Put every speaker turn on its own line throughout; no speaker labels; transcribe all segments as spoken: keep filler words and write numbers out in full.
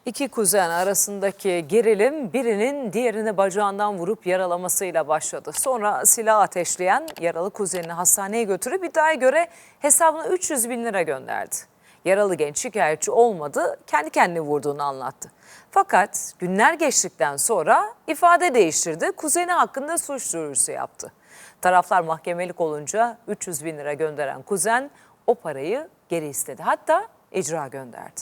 İki kuzen arasındaki gerilim birinin diğerini bacağından vurup yaralamasıyla başladı. Sonra silah ateşleyen yaralı kuzenini hastaneye götürüp iddiaya göre hesabına üç yüz bin lira gönderdi. Yaralı genç şikayetçi olmadı, kendi kendine vurduğunu anlattı. Fakat günler geçtikten sonra ifade değiştirdi, kuzeni hakkında suç duyurusu yaptı. Taraflar mahkemelik olunca üç yüz bin lira gönderen kuzen o parayı geri istedi. Hatta icra gönderdi.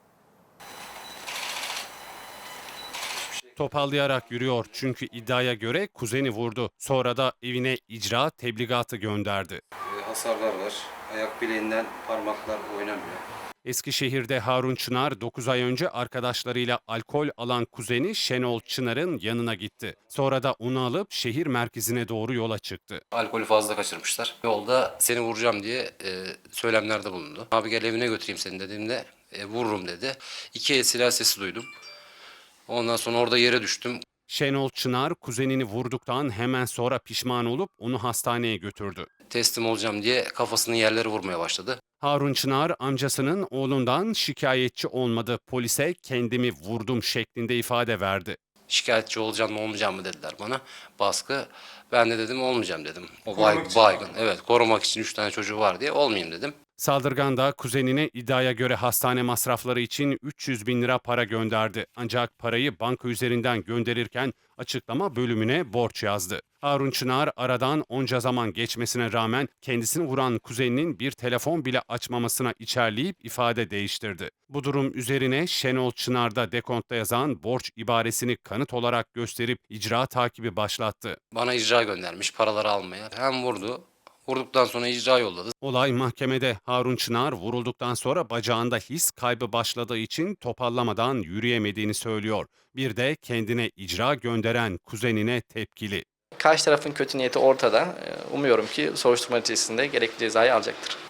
Topallayarak yürüyor çünkü iddiaya göre kuzeni vurdu. Sonra da evine icra tebligatı gönderdi.
E, hasarlar var. Ayak bileğinden parmaklar oynamıyor.
Eskişehir'de Harun Çınar dokuz ay önce arkadaşlarıyla alkol alan kuzeni Şenol Çınar'ın yanına gitti. Sonra da onu alıp şehir merkezine doğru yola çıktı.
Alkolü fazla kaçırmışlar. Yolda seni vuracağım diye e, söylemlerde bulundu. Abi gel evine götüreyim seni dediğimde e, vururum dedi. İki el silah sesi duydum. Ondan sonra orada yere düştüm.
Şenol Çınar kuzenini vurduktan hemen sonra pişman olup onu hastaneye götürdü.
Teslim olacağım diye kafasını yerlere vurmaya başladı.
Harun Çınar amcasının oğlundan şikayetçi olmadı. Polise kendimi vurdum şeklinde ifade verdi.
Şikayetçi olacağım mı olmayacağım mı dediler bana. Baskı. Ben de dedim olmayacağım dedim. O bay, baygın. Evet, korumak için üç tane çocuğu var diye olmayayım dedim.
Saldırgan da kuzenine iddiaya göre hastane masrafları için üç yüz bin lira para gönderdi. Ancak parayı banka üzerinden gönderirken açıklama bölümüne borç yazdı. Harun Çınar aradan onca zaman geçmesine rağmen kendisini vuran kuzeninin bir telefon bile açmamasına içerleyip ifade değiştirdi. Bu durum üzerine Şenol Çınar'da dekontta yazan borç ibaresini kanıt olarak gösterip icra takibi başlattı.
Bana icra göndermiş paraları almaya. Hem vurdu. Vurduktan sonra icra yolladı.
Olay mahkemede. Harun Çınar vurulduktan sonra bacağında his kaybı başladığı için topallamadan yürüyemediğini söylüyor. Bir de kendine icra gönderen kuzenine tepkili.
Karşı tarafın kötü niyeti ortada. Umuyorum ki soruşturma neticesinde gerekli cezayı alacaktır.